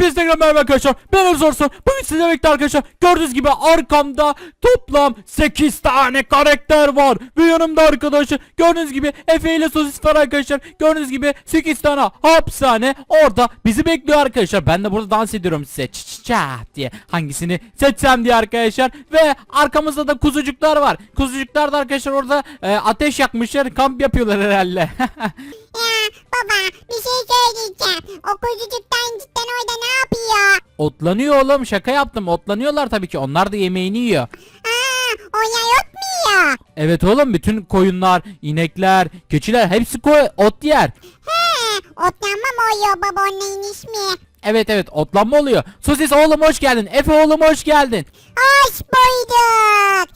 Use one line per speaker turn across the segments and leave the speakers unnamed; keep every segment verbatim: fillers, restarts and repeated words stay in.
Hepinize merhaba arkadaşlar. Ben Zorsun. Bugün sizlerle birlikte arkadaşlar gördüğünüz gibi arkamda toplam sekiz tane karakter var. Ve yanımda arkadaşlar gördüğünüz gibi Efe ile Sosis var arkadaşlar. Gördüğünüz gibi sekiz tane hapishane orada bizi bekliyor arkadaşlar. Ben de burada dans ediyorum size çat diye. Hangisini seçsem diye arkadaşlar. Ve arkamızda da kuzucuklar var. Kuzucuklar da arkadaşlar orada e, ateş yakmışlar. Kamp yapıyorlar herhalde.
Ya baba bir şey söyleyeceğim. O kuzucuktan cidden orada ne yapıyor?
Otlanıyor oğlum, şaka yaptım. Otlanıyorlar tabii ki. Onlar da yemeğini yiyor.
Aa, oraya yok mu ya?
Evet oğlum, bütün koyunlar, inekler, keçiler hepsi koy ot yer.
He, otlanma mı oluyor baba onun ismi?
Evet evet, otlanma oluyor. Sosis oğlum hoş geldin. Efe oğlum hoş geldin.
Hoş bulduk.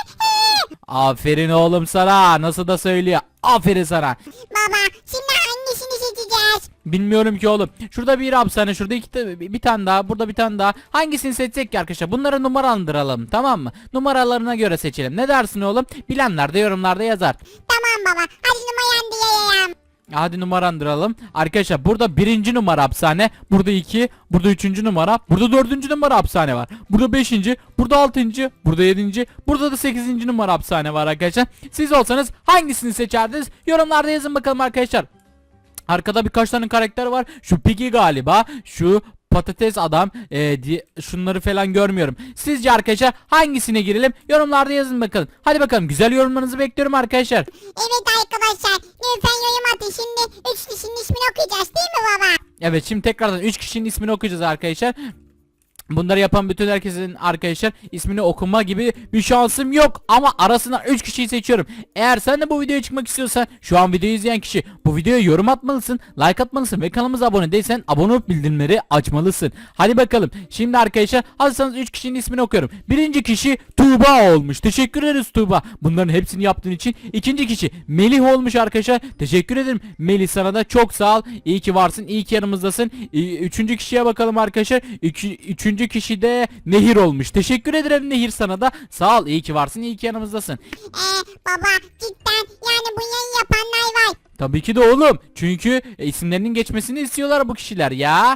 Aferin oğlum sana. Nasıl da söylüyor. Aferin sana.
Baba şimdi hangisini seçeceğiz?
Bilmiyorum ki oğlum. Şurada bir hapishane, şurada iki ta- bir tane daha, burada bir tane daha. Hangisini seçsek ki arkadaşlar? Bunları numaralandıralım, tamam mı? Numaralarına göre seçelim. Ne dersin oğlum? Bilenler de yorumlarda yazar.
Tamam baba hadi numaranı diyeyim.
Hadi numarandıralım. Arkadaşlar burada birinci numara hapishane. Burada iki. Burada üçüncü numara. Burada dördüncü numara hapishane var. Burada beşinci. Burada altıncı. Burada yedinci. Burada da sekizinci numara hapishane var arkadaşlar. Siz olsanız hangisini seçerdiniz? Yorumlarda yazın bakalım arkadaşlar. Arkada birkaç tane karakter var. Şu Piggy galiba. Şu patates adam. Ee, di şunları falan görmüyorum. Sizce arkadaşlar hangisine girelim? Yorumlarda yazın bakalım. Hadi bakalım, güzel yorumlarınızı bekliyorum arkadaşlar.
Evet arkadaşlar lütfen yorum atın. Şimdi üç kişinin ismini okuyacağız değil mi baba?
Evet, şimdi tekrardan üç kişinin ismini okuyacağız arkadaşlar. Bunları yapan bütün herkesin arkadaşlar ismini okuma gibi bir şansım yok. Ama arasından üç kişiyi seçiyorum. Eğer sen de bu videoya çıkmak istiyorsan şu an videoyu izleyen kişi bu videoya yorum atmalısın, like atmalısın ve kanalımıza abone değilsen abone olup bildirimleri açmalısın. Hadi bakalım. Şimdi arkadaşlar hazırsanız üç kişinin ismini okuyorum. Birinci kişi Tuğba olmuş. Teşekkür ederiz Tuğba. Bunların hepsini yaptığın için. İkinci kişi Melih olmuş arkadaşlar. Teşekkür ederim Melih, sana da çok sağ ol. İyi ki varsın. İyi ki yanımızdasın. Üçüncü kişiye bakalım arkadaşlar. İki, üçüncü kişi de Nehir olmuş. Teşekkür ederim Nehir, sana da sağ ol. İyi ki varsın. İyi ki yanımızdasın.
Ee, baba cidden yani bu yayın yapanlar var.
Tabii ki de oğlum. Çünkü e, isimlerinin geçmesini istiyorlar bu kişiler ya.
Aa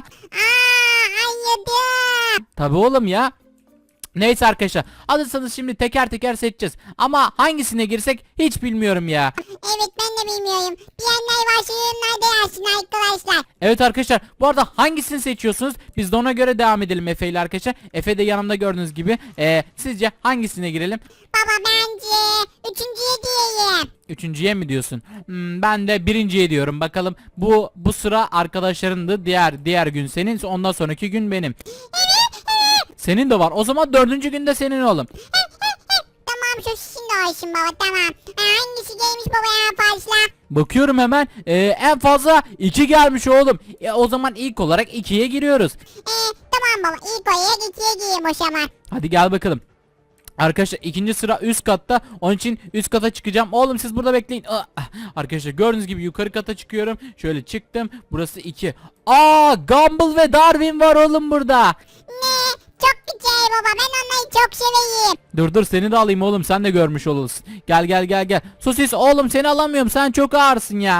anladım.
Tabii oğlum ya. Neyse arkadaşlar, hazırsanız şimdi teker teker seçeceğiz. Ama hangisine girsek hiç bilmiyorum ya.
Evet ben de bilmiyorum. Bilenler varsa yorumlarda yazsın arkadaşlar.
Evet arkadaşlar, bu arada hangisini seçiyorsunuz? Biz de ona göre devam edelim Efe ile arkadaşlar. Efe de yanımda gördüğünüz gibi. Ee, sizce hangisine girelim?
Baba bence üçüncüye diyeyim.
Üçüncüye mi diyorsun? Hmm, ben de birinciye diyorum. Bakalım, bu bu sıra arkadaşlarındı. Diğer diğer gün senin, ondan sonraki gün benim. Senin de var. O zaman dördüncü günde senin oğlum.
Tamam şu sizin de olsun baba tamam. Ha, hangisi gelmiş baba en fazla?
Bakıyorum hemen. Ee, en fazla iki gelmiş oğlum. E, o zaman ilk olarak ikiye giriyoruz.
Ee, tamam baba ilk oraya ikiye giyeyim o zaman.
Hadi gel bakalım. Arkadaşlar ikinci sıra üst katta. Onun için üst kata çıkacağım. Oğlum siz burada bekleyin. Ah, arkadaşlar gördüğünüz gibi yukarı kata çıkıyorum. Şöyle çıktım. Burası iki. Aa, Gumball ve Darwin var oğlum burada.
Ne? Çok güzel baba ben onları çok seveyim.
Dur dur, seni de alayım oğlum, sen de görmüş olursun. Gel gel gel gel. Sosis oğlum, seni alamıyorum, sen çok ağırsın ya.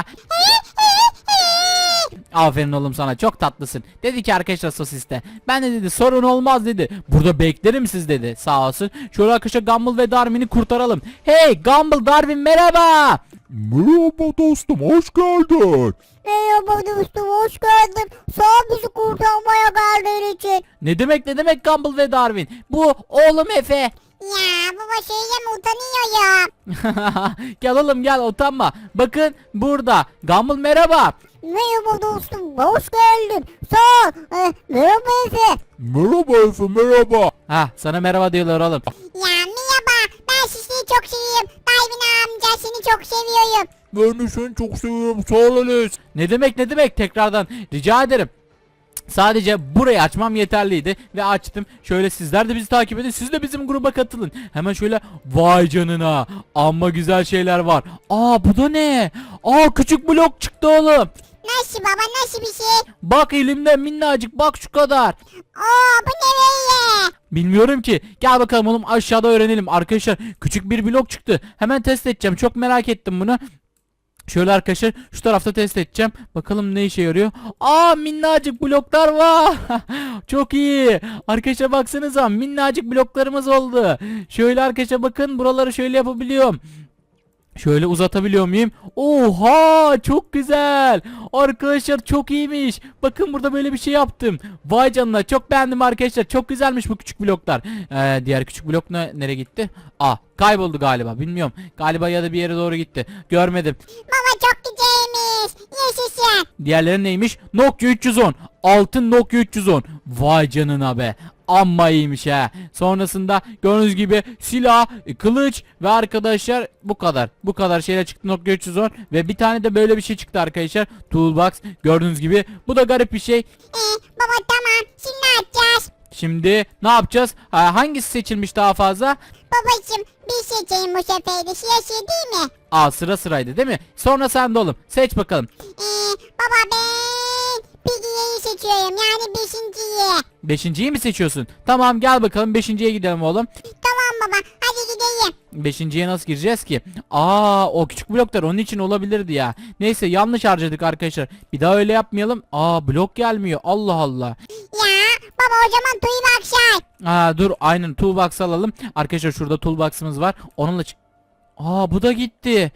Aferin oğlum sana, çok tatlısın. Dedi ki arkadaşlar Sosis de. Ben de dedi sorun olmaz dedi. Burada beklerim siz dedi, sağ olsun. Şöyle arkadaşlar Gumball ve Darwin'i kurtaralım. Hey Gumball, Darwin merhaba.
Merhaba dostum, hoş geldin.
Merhaba dostum hoş geldin. Sağ ol bizi kurtarmaya geldiğin için.
Ne demek ne demek Gumball ve Darwin. Bu oğlum Efe.
Ya baba söyleme utanıyorum.
Gel oğlum gel, utanma. Bakın burada. Gumball merhaba.
Merhaba dostum hoş geldin. Sağ ol. Ee, merhaba Efe.
Merhaba Efe, merhaba.
Ha, sana merhaba diyorlar oğlum.
Ya merhaba ben sizi çok seviyorum. Darwin amca seni çok seviyorum.
Ben de seni çok seviyorum, sağ ol Enes.
Ne demek ne demek, tekrardan rica ederim. Sadece burayı açmam yeterliydi ve açtım. Şöyle sizler de bizi takip edin. Siz de bizim gruba katılın. Hemen şöyle, vay canına. Amma güzel şeyler var. Aa, bu da ne? Aa, küçük blok çıktı oğlum.
Nasıl baba nasıl bir şey?
Bak elimde minnacık, bak şu kadar.
Aa bu ne böyle?
Bilmiyorum ki. Gel bakalım oğlum, aşağıda öğrenelim. Arkadaşlar küçük bir blok çıktı. Hemen test edeceğim. Çok merak ettim bunu. Şöyle arkadaşlar şu tarafta test edeceğim. Bakalım ne işe yarıyor. Aa, minnacık bloklar var. Çok iyi. Arkadaşlar baksanıza, minnacık bloklarımız oldu. Şöyle arkadaşlar bakın, buraları şöyle yapabiliyorum. Şöyle uzatabiliyor muyum? Oha, çok güzel. Arkadaşlar çok iyiymiş. Bakın burada böyle bir şey yaptım. Vay canına, çok beğendim arkadaşlar. Çok güzelmiş bu küçük bloklar. Ee, diğer küçük blok ne, nereye gitti? Aa, kayboldu galiba, bilmiyorum. Galiba ya da bir yere doğru gitti. Görmedim.
Baba çok güzelmiş. Yaşasın.
Diğerleri neymiş? Nokia üç yüz on. Altın Nokia üç yüz on. Vay canına be. Amma iyiymiş ha. Sonrasında gördüğünüz gibi silah, e, kılıç ve arkadaşlar bu kadar. Bu kadar şeyler çıktı Nokia üç yüz on ve bir tane de böyle bir şey çıktı arkadaşlar. Toolbox gördüğünüz gibi. Bu da garip bir şey.
Ee, baba tamam. Şimdi ne yapacağız?
Şimdi ne yapacağız? Ha, hangisi seçilmiş daha fazla?
Babacım bir seçeyim bu sefer de. Siyasi değil mi?
Aa, sıra sıraydı değil mi? Sonra sen de oğlum. Seç bakalım.
Ee, baba ben Piggy'yi seçiyorum. Yani beşinciyi.
Beşinciyi mi seçiyorsun? Tamam, gel bakalım beşinciye gidelim oğlum.
Tamam baba. Hadi gidelim.
Beşinciye nasıl gireceğiz ki? Aa, o küçük bloklar onun için olabilirdi ya. Neyse, yanlış harcadık arkadaşlar. Bir daha öyle yapmayalım. Aa, blok gelmiyor. Allah Allah.
Ya baba o zaman tuyu bakşay.
Aa, dur, aynen toolbox alalım. Arkadaşlar şurada toolbox'ımız var. Onunla çık. Aa, bu da gitti.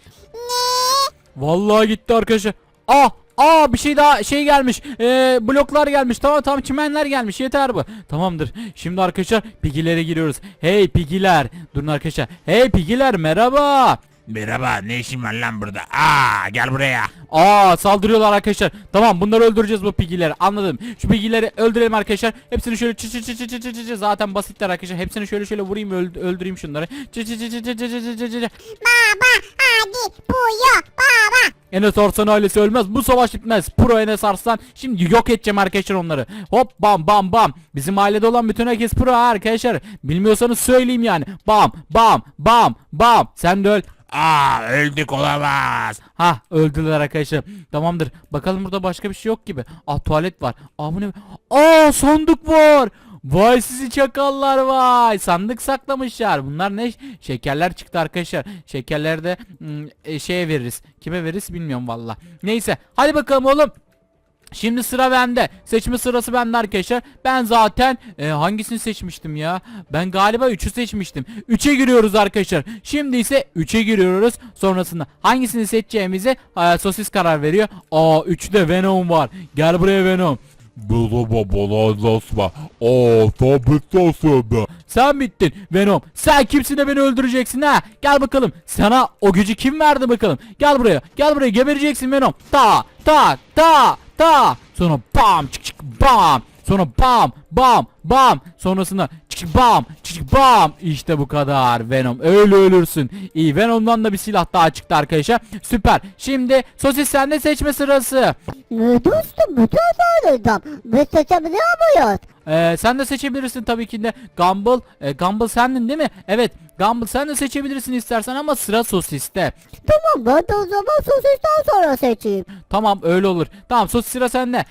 Ne?
Vallahi gitti arkadaşlar. Aa, aa, bir şey daha şey gelmiş. Ee, bloklar gelmiş. Tamam tamam, çimenler gelmiş. Yeter bu. Tamamdır. Şimdi arkadaşlar pigilere giriyoruz. Hey pigiler. Durun arkadaşlar. Hey pigiler, merhaba.
Merhaba, ne işin var lan burada? Aa, gel buraya.
Aa, saldırıyorlar arkadaşlar. Tamam, bunları öldüreceğiz, bu pigileri. Anladım. Şu pigileri öldürelim arkadaşlar. Hepsini şöyle çı çı çı çı çı çı çı çı. Zaten basitler arkadaşlar. Hepsini şöyle şöyle vurayım, öld- öldüreyim şunları. Çı çı çı çı çı çı çı çı çı çı.
Baba hadi puyu baba.
Enes Arslan ailesi ölmez. Bu savaş bitmez. Pro Enes Arslan. Şimdi yok edeceğim arkadaşlar onları. Hop, bam bam bam. Bizim ailede olan bütün herkes pro ha arkadaşlar. Bilmiyorsanız söyleyeyim yani. Bam bam bam bam. Sen de öl.
Aa, öldük olamaz.
Ha, öldüler arkadaşlar. Tamamdır. Bakalım burada başka bir şey yok gibi. Ah, tuvalet var. Aa, bu ne? Aa, sandık var. Vay sizi çakallar vay. Sandık saklamışlar. Bunlar ne? Şekerler çıktı arkadaşlar. Şekerleri de hmm, e, şeye veririz. Kime veririz bilmiyorum valla. Neyse. Hadi bakalım oğlum. Şimdi sıra bende. Seçme sırası bende arkadaşlar. Ben zaten e, hangisini seçmiştim ya? Ben galiba üçü seçmiştim. üçe giriyoruz arkadaşlar. Şimdi ise üçe giriyoruz. Sonrasında hangisini seçeceğimize e, sosis karar veriyor. Aa, üçte Venom var. Gel buraya Venom.
Merhaba bana Lasma. Aa, tabitasın be.
Sen bittin Venom. Sen kimsin de beni öldüreceksin ha? Gel bakalım. Sana o gücü kim verdi bakalım? Gel buraya. Gel buraya, gebereceksin Venom. Ta ta ta ta. Sonra bam çık çık bam. Sonra bam bam bam. Sonrasında çık çık bam çık çık bam. İşte bu kadar Venom. Öyle ölürsün. İyi, Venom'dan da bir silah daha çıktı arkadaşlar. Süper. Şimdi sosis sende, seçme sırası.
Ne dostum bu tarafa biz seçebiliyor muyuz?
Ee, sen de seçebilirsin tabii ki de. Gumball, e, Gumball sendin değil mi? Evet, Gumball sen de seçebilirsin istersen ama sıra sosiste.
Tamam ben de o zaman sosisten sonra seçeyim.
Tamam, öyle olur. Tamam, sosis sıra sende.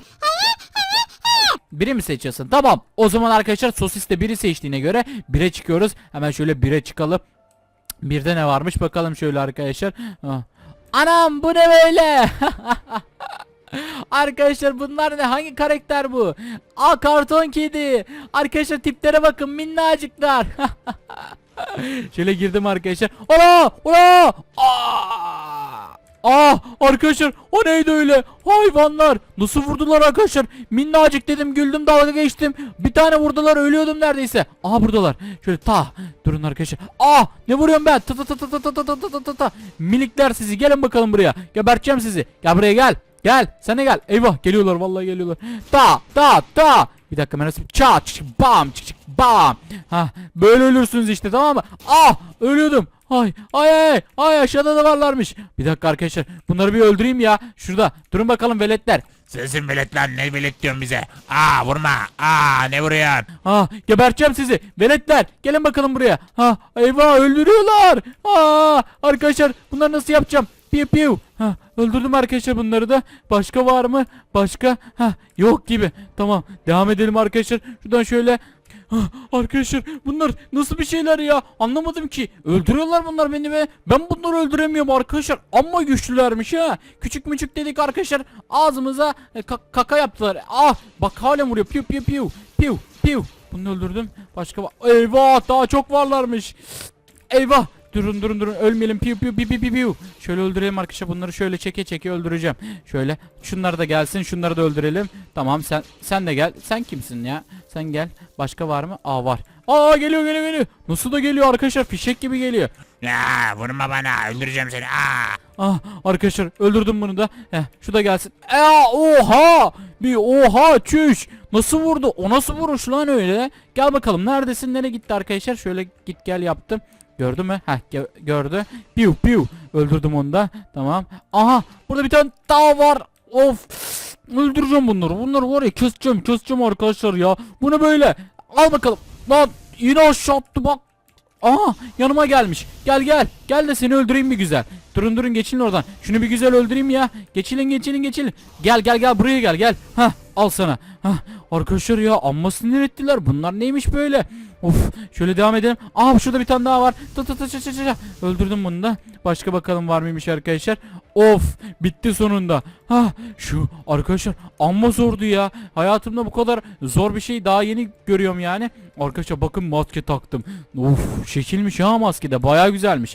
Biri mi seçiyorsun? Tamam. O zaman arkadaşlar sosiste biri seçtiğine göre bire çıkıyoruz. Hemen şöyle bire çıkalım. Birde ne varmış bakalım şöyle arkadaşlar. Ah. Anam, bu ne böyle? Arkadaşlar bunlar ne? Hangi karakter bu? Aa, karton kedi. Arkadaşlar tiplere bakın, minnacıklar. Şöyle girdim arkadaşlar. Ola! Ola! Aa! Ah, arkadaşlar o neydi öyle? Hayvanlar nasıl vurdular arkadaşlar? Minnacık dedim, güldüm, dalga geçtim. Bir tane vurdular, ölüyordum neredeyse. Aha, buradalar. Şöyle ta durun arkadaşlar. Ah, ne vuruyorum ben? Ta ta ta ta ta ta ta ta ta ta. Minikler sizi, gelin bakalım buraya. Geberteceğim sizi. Gel buraya, gel. Gel, sen de gel. Eyvah, geliyorlar, vallahi geliyorlar. Ta ta ta. Bir dakika, ben nasıl çat çık bam çık çık bam. Ha, böyle ölürsünüz işte, tamam mı? Ah, ölüyordum. Ay ay ay ay, aşağıda da varlarmış. Bir dakika arkadaşlar, bunları bir öldüreyim ya. Şurada durun bakalım veletler.
Sensin velet lan, ne velet diyorsun bize? Aa, vurma. Aa, ne vuruyorsun?
Ha, geberteceğim sizi veletler, gelin bakalım buraya. Ha, eyvah, öldürüyorlar. Aa, arkadaşlar bunları nasıl yapacağım? Piu piu. Ha, öldürdüm arkadaşlar bunları da. Başka var mı? Başka? Ha, yok gibi. Tamam. Devam edelim arkadaşlar. Şuradan şöyle. Ah, arkadaşlar bunlar nasıl bir şeyler ya? Anlamadım ki. Öldürüyorlar bunlar beni be. Ben bunları öldüremiyorum arkadaşlar. Amma güçlülermiş ha. Küçük müçük dedik arkadaşlar. Ağzımıza e, ka- kaka yaptılar. Ah, bak hala vuruyor. Piu piu piu. Piu piu. Bunu öldürdüm. Başka var. Eyvah, daha çok varlarmış. Eyvah. Durun durun durun, ölmeyelim. Piu piu piu piu piu piu. Şöyle öldürelim arkadaşlar, bunları şöyle çeke çeke öldüreceğim. Şöyle şunları da gelsin, şunları da öldürelim. Tamam, sen sen de gel. Sen kimsin ya? Sen gel. Başka var mı? Aa, var. Aa, geliyor geliyor geliyor. Nasıl da geliyor arkadaşlar, fişek gibi geliyor.
Ya vurma bana, öldüreceğim seni. Aa.
Ah, arkadaşlar öldürdüm bunu da. Heh, şu da gelsin. Aa, oha! Bir oha, çüş. Nasıl vurdu? O nasıl vuruş lan öyle? Gel bakalım, neredesin? Nereye gitti arkadaşlar? Şöyle git gel yaptım. Gördü mü? Heh, gö gördü. Piu piu. Öldürdüm onu da. Tamam. Aha, burada bir tane daha var. Of. Öldüreceğim bunları. Bunları var ya, keseceğim keseceğim arkadaşlar ya. Bu ne böyle? Al bakalım. Lan yine aşağı attı bak. Aha, yanıma gelmiş. Gel gel. Gel de seni öldüreyim bir güzel. Durun durun, geçin oradan. Şunu bir güzel öldüreyim ya. Geçilin geçilin geçilin. Gel gel gel, buraya gel gel. Hah, al sana. Hah, arkadaşlar ya, amma sinir ettiler. Bunlar neymiş böyle? Of, şöyle devam edelim. Aa, şurada bir tane daha var. Tı tı tı tı tı tı. Öldürdüm bunu da. Başka bakalım var mıymış arkadaşlar. Of, bitti sonunda. Ha, şu arkadaşlar amma zordu ya. Hayatımda bu kadar zor bir şey daha yeni görüyorum yani. Arkadaşlar bakın, maske taktım. Of, şekilmiş ha, maske de baya güzelmiş.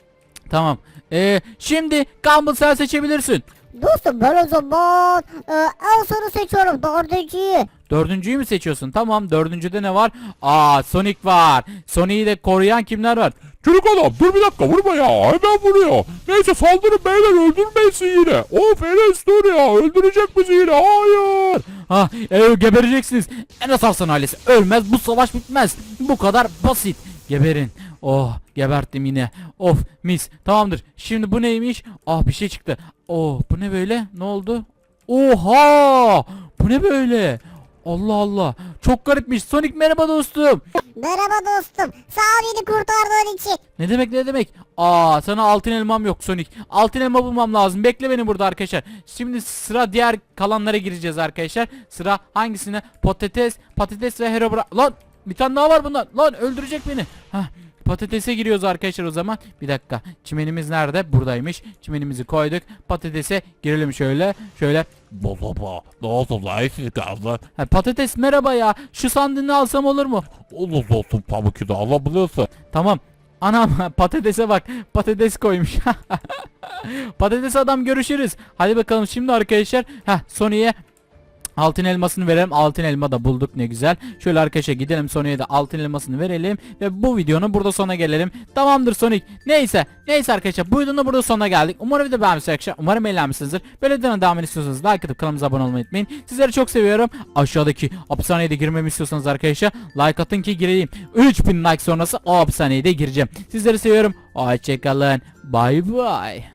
Tamam. Ee, şimdi Gumball, sen seçebilirsin.
Dostum ben o zaman e, en sonu seçiyorum, dördüncüyü.
Dördüncüyü mü seçiyorsun? Tamam, dördüncüde ne var? Aa, Sonic var. Sonic'i de koruyan kimler var?
Çocuk adam dur bir dakika, vurma ya, hemen vuruyor. Neyse saldırın beyler, öldürmesin yine. Of Enes, dur ya, öldürecek bizi yine, hayır.
Ha, e, gebereceksiniz. Enes Arslan ailesi ölmez, bu savaş bitmez. Bu kadar basit. Geberin. Oh, geberttim yine. Of, mis. Tamamdır. Şimdi bu neymiş? Ah, bir şey çıktı. Oh, bu ne böyle? Ne oldu? Oha! Bu ne böyle? Allah Allah. Çok garipmiş. Sonic, merhaba dostum.
Merhaba dostum. Sağ ol beni kurtardığın için.
Ne demek ne demek? Aa, sana altın elmam yok Sonic. Altın elma bulmam lazım. Bekle beni burada arkadaşlar. Şimdi sıra diğer kalanlara gireceğiz arkadaşlar. Sıra hangisine? Patates, patates ve Herobrine. Lan bir tane daha var bundan. Lan öldürecek beni. Hah. Patatese giriyoruz arkadaşlar o zaman. Bir dakika. Çimenimiz nerede? Buradaymış. Çimenimizi koyduk. Patatese girelim şöyle. Şöyle.
Baba ne oldu lan, siz kaldı.
Ha, patates merhaba ya. Şu sandığını alsam olur mu?
Olur olsun pamuk da alabiliyorsun.
Tamam. Anam, patatese bak. Patates koymuş. Patates adam, görüşürüz. Hadi bakalım şimdi arkadaşlar. Heh, Sony'ye altın elmasını verelim. Altın elma da bulduk, ne güzel. Şöyle arkadaşlar gidelim, Sonic'e de altın elmasını verelim. Ve bu videonun burada sona gelelim. Tamamdır Sonic. Neyse. Neyse arkadaşlar, bu videonun burada sona geldik. Umarım video beğenmişsiniz arkadaşlar. Umarım eğlenmişsinizdir. Böyle videonun devamını istiyorsanız like atıp kanalımıza abone olmayı unutmayın. Sizleri çok seviyorum. Aşağıdaki hapishaneye de girmemi istiyorsanız arkadaşlar like atın ki gireyim. üç bin like sonrası o hapishaneye de gireceğim. Sizleri seviyorum. Hoşçakalın. Bye bye.